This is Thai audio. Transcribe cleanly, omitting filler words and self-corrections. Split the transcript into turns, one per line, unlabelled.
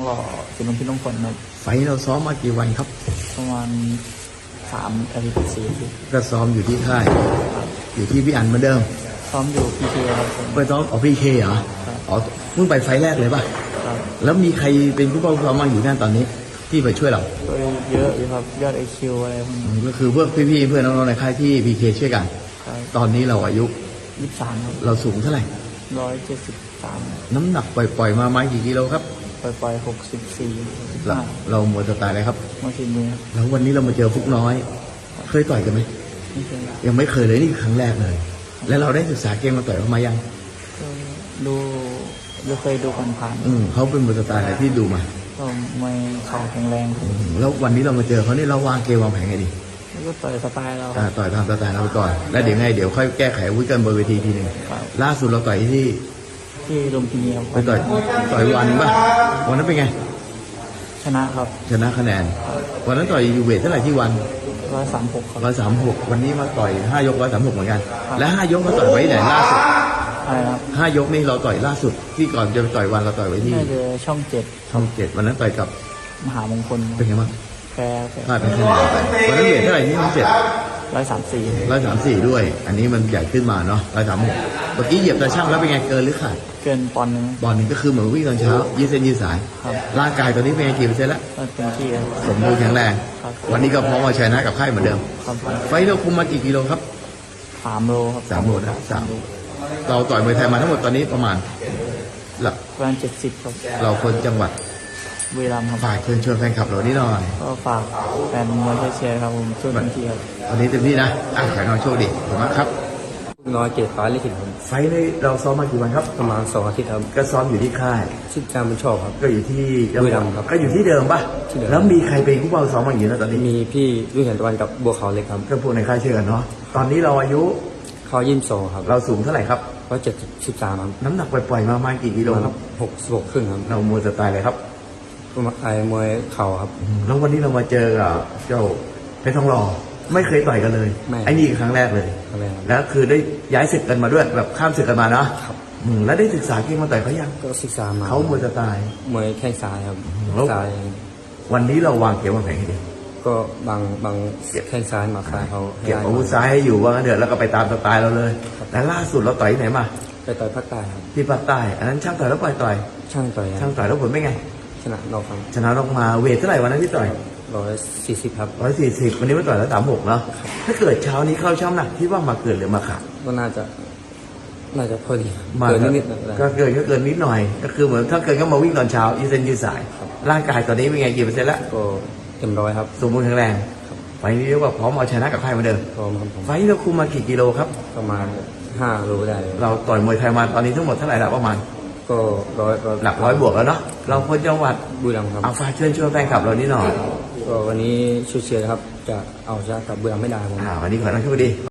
ก็เป็นน้องพี่น้องคนครับ
ไฟล์เราซ้อมมากี่วันครับ
ประมาณ3 อาทิตย์ 4 อาทิตย์
ก็ซ้อมอยู่ที่ค่ายอยู่ที่พี่อันเหมือนเดิม
ซ้อมอยู่พีเคครับ
ไปซ้อมพีเคเหรออ๋อเพิ่งไปไฟล์แรกเลยป่ะแล้วมีใครเป็นผู้ปกครองมาอยู่นั่นตอนนี้ที่ไปช่วยเรา
เยอะอยู่ครับยอดไอคิวอะไรพวกนี้
ก็คือพวกพี่ๆเพื่อนน้องๆในค่ายที่พีเคช่วยกันตอนนี้เราอายุ
23ครับ
เราสูงเท่าไหร่
173
น้ำหนักปล่อยๆมาไม้กี่กิโลครับ
ปล่อย64
เราหมดสไตล์อะไรครับ
มาทีมือ
แล้ววันนี้เรามาเจอฟุกน้อยเคยต่อยกันไหม
ไม่เคย
ยังไม่เคยเลยนี่ครั้งแรกเลยแล้วเราได้ศึกษาเกมมาต่อยเขามายัง
ดูเคยดูผ่าน
เขาเป็นมวยสไตล์อะไรที่ดูมา
ก็ไม่เข่าแข็งแรง
แล้ววันนี้เรามาเจอเขานี่เราวางเกมวางแผนไงดี
ก็ต่อยสไตล์เรา
ต่อยตามสไตล์เราไปก่อนแล้วเดี๋ยวค่อยแก้ไขวิกันบนเวทีทีหนึ่งล่าสุดเราต่อยที่
ลุมพินีครับ
ไปต่อยวันป่ะวันนั้นเป็นไง
ชนะครับ
ชนะคะแนนวันนั้นต่อยยูเวทเท่าไหร่ที่วัน
136ครับ
136วันนี้มาต่อย5 ยก136เหมือนกันและ5 ยกเราต่อยไว้ไหนล่าสุด
อะไรครับ
5 ยกนี่เราต่อยล่าสุดที่ก่อนจะไปต่อยวันเราต่อยไว้ที่
ช่อง 7
วันนั้นต่อยกับ
มหามงคล
เป็นไงบ้าง
แพ้
เป็นคะแนนวันนั้นเวทเท่าไหร่ที่ช่อง 7
134
ด้วยอันนี้มันใหญ่ขึ้นมาเนาะ136เมื่อกี้เหยียบตาช่างแล้วเป็นไงเกินหรือขาด
เกินปอนด์
นึงก็คือเหมือนวิ่งตอนเช้ายืดเส้นยืดสายร่างกายตอนนี้เป็นไงกี่เปอร์เซ็นต์แล้ว
เต็มที่
สมบูรณ์แข็งแรงวันนี้ก็พร้อมมาชนะกับค่ายเหมือนเดิมไฟเราคุมมากี่กิโลครับ
3 โลครับ
3 โลนะเราต่อยมวยไทยมาทั้งหมดตอนนี้ประมาณ
ประมาณ70ครับ
เราคนจังหวัด
บุรีรัมย์ครับ
ฝากเชิญชวนแฟนคลับเรานี่หน่อย
ก็ฝากแฟนมวยเชียร์ครับผมช่วยเต็มที่ครับ
วันนี้เต็มที่นะขอให้น้องโชคดีขอบคุณมากครับ
น้อยเกตฟ้าลิขิตครับ
ไฟในเราซ้อมมากี่วันครับ
ประมาณ2 อาทิตย์ครับ
ก็ซ้อมอยู่ที่ค่าย
ชื่อการบุญชอบครับ
ก็อยู่ที่
บุรีรัมย์ครับ
ก็อยู่ที่เดิมป่ะแล้วมีใครเป็นผู้เฝ้าซ้อมมาอยู่นะตอนนี้
มีพี่รุ่งแห่งตะวันกับบัวขาวเล็กครับ
ก็พวกในค่ายเชื่อเนาะตอนนี้เราอายุ
เขา22ครับ
เราสูงเท่าไหร่ครับ
173ครับ
น้ำหนักปล่อยๆมากี่กิโลครับ
66 ครึ่งครับ
เรามวยสไตล์อะไรครับ
มวยเข่าครับ
แล้ววันนี้เรามาเจอกับเจ้าเพชรทองหล่อไม่เคยต่อยกันเลยไอ้นี่ครั้งแรกเลยแล้วคือได้ย้ายศึกกันมาด้วยแบบข้ามศึกกันมาเนาะแล้วได้ศึกษาเกมมาต่อยเขายัง
ก็ศึกษามา
เขามวยสไตล์
มวยแข้งซ้ายครับซ้าย
วันนี้เราวางเกมวางแผนให้ดี
ก็บางแข้งซ้ายมาซ้ายเขา
เก็บอาวุธซ้ายให้อยู่ว่างั้นเถอะแล้วก็ไปตามสไตล์เราเลยแล้วล่าสุดเราต่อยไหนมา
ไปต่อยภาคใต้ครับ
ที่ภาคใต้อันนั้นช่างต่อยแล้วต่อย
ช่างต่อย
แล้วผลเป็นไง
ชนะนอกครับ
ชนะนอกมาเวทเท่าไหร่วันนั้นที่ต่อย
140ครับ
140วันนี้มาต่อยแล้ว36เนาะถ้าเกิดเช้านี้เข้าช่ำหนักที่ว่ามาเกินหรือมาขาด
ก็น่าจะพอดี
เกินนิดก็เกินนิดหน่อยก็คือเหมือนถ้าเกินก็มาวิ่งตอนเช้ายืดเส้นยืดสายร่างกายตอนนี้เป็นไงกี่เปอร์เซ็นต์แล้ว
ก็เต็ม100ครับ
สมบูรณ์แข็งแรงไฟนี้เรียกว่าพร้อมเอาชนะกับใครมาเดิม
พร้อมครับ
ไฟนี้เราคุมมากี่กิโลครับ
ประมาณ5 โลได้
เราต่อยมวยไทยมาตอนนี้ทั้งหมดเท่าไหร่ละประมาณ
ก็
หลัก100 บวกแล้วเนาะเราคนจังหวัด
บุรีรัมย์ครับ
เอาฝากเชิญชวนแฟนคลับเรานี่หน่อย
ก็วันนี้ช่วยเชียร์ครับจะเอาชนะกับบุรีรัมย์ไม่ได้ผม
วันนี้ขอให้น้องโชคดี